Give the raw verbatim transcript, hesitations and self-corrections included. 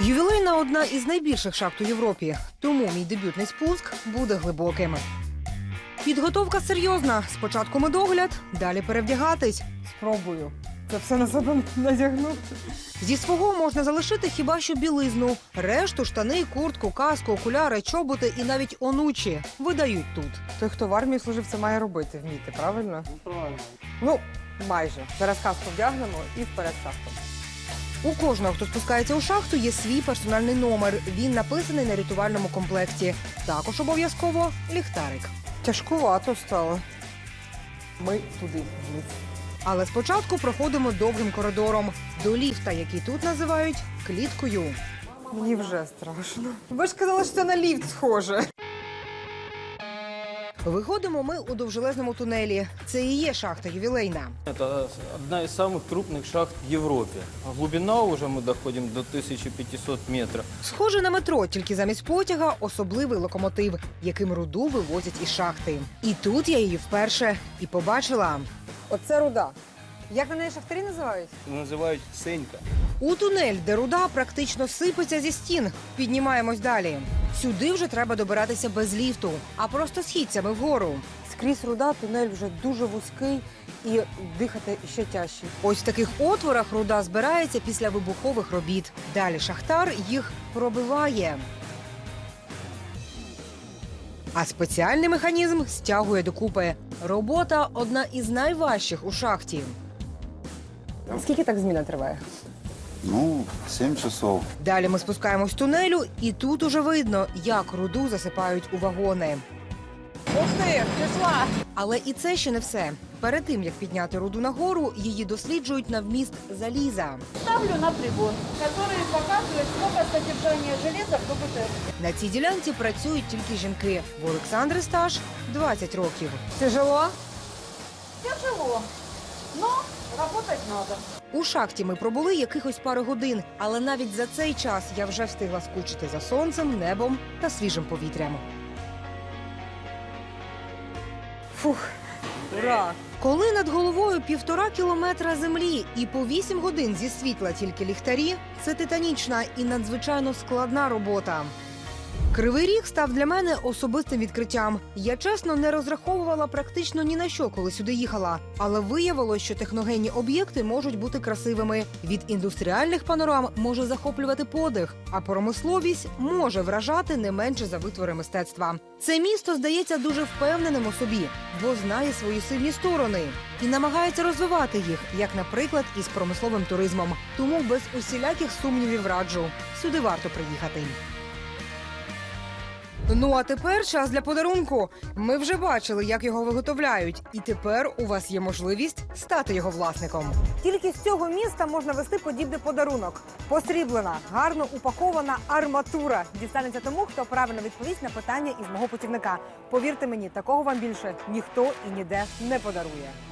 Ювілейна – одна із найбільших шахт у Європі, тому мій дебютний спуск буде глибоким. Підготовка серйозна. Спочатку медогляд, далі перевдягатись. Спробую. Це все на себе надягнути. Зі свого можна залишити хіба що білизну. Решту – штани, куртку, каску, окуляри, чоботи і навіть онучі видають тут. Той, хто в армії служив, це має робити, вміти, правильно? Ну, правильно. Ну, майже. Зараз каску вдягнемо і вперед шахту. У кожного, хто спускається у шахту, є свій персональний номер. Він написаний на рятувальному комплекті. Також обов'язково ліхтарик. Тяжкувато стало. Ми туди вниз. Але спочатку проходимо довгим коридором до ліфта, який тут називають кліткою. Мені вже страшно. Ви ж казали, що це на ліфт схоже. Виходимо ми у довжелезному тунелі. Це і є шахта ювілейна. Это одна из самых крупных шахт в Европе. А глубина уже мы доходим до тисячі п'ятисот метров. Схоже на метро, тільки замість потяга особливий локомотив, яким руду вивозять із шахти. І тут я її вперше і побачила. Оце руда. Як на неї шахтарі називають? Називають Сенька. У тунель, де руда практично сипеться зі стін. Піднімаємось далі. Сюди вже треба добиратися без ліфту, а просто східцями вгору. Скрізь руда, тунель вже дуже вузький і дихати ще тяжче. Ось в таких отворах руда збирається після вибухових робіт. Далі шахтар їх пробиває. А спеціальний механізм стягує докупи. Робота – одна із найважчих у шахті. Скільки так зміна триває? Ну, сім часов. Далі ми спускаємось тунелю, і тут уже видно, як руду засипають у вагони. Ух ти, пішла! Але і це ще не все. Перед тим, як підняти руду нагору, її досліджують на вміст заліза. Ставлю на прибор, который показывает, сколько содержания железа в КБТ. На цій ділянці працюють тільки жінки. В Олександри стаж двадцять років. Тяжело? Тяжело, но работать надо. У шахті ми пробули якихось пару годин, але навіть за цей час я вже встигла скучити за сонцем, небом та свіжим повітрям. Фух, ура! Коли над головою півтора кілометра землі і по вісім годин зі світла тільки ліхтарі, це титанічна і надзвичайно складна робота. Кривий Ріг став для мене особистим відкриттям. Я, чесно, не розраховувала практично ні на що, коли сюди їхала. Але виявилось, що техногенні об'єкти можуть бути красивими. Від індустріальних панорам може захоплювати подих, а промисловість може вражати не менше за витвори мистецтва. Це місто здається дуже впевненим у собі, бо знає свої сильні сторони і намагається розвивати їх, як, наприклад, із промисловим туризмом. Тому без усіляких сумнівів раджу. Сюди варто приїхати. Ну а тепер час для подарунку. Ми вже бачили, як його виготовляють. І тепер у вас є можливість стати його власником. Тільки з цього міста можна вести подібний подарунок. Посріблена, гарно упакована арматура. Дістанеться тому, хто правильно відповість на питання із мого путівника. Повірте мені, такого вам більше ніхто і ніде не подарує.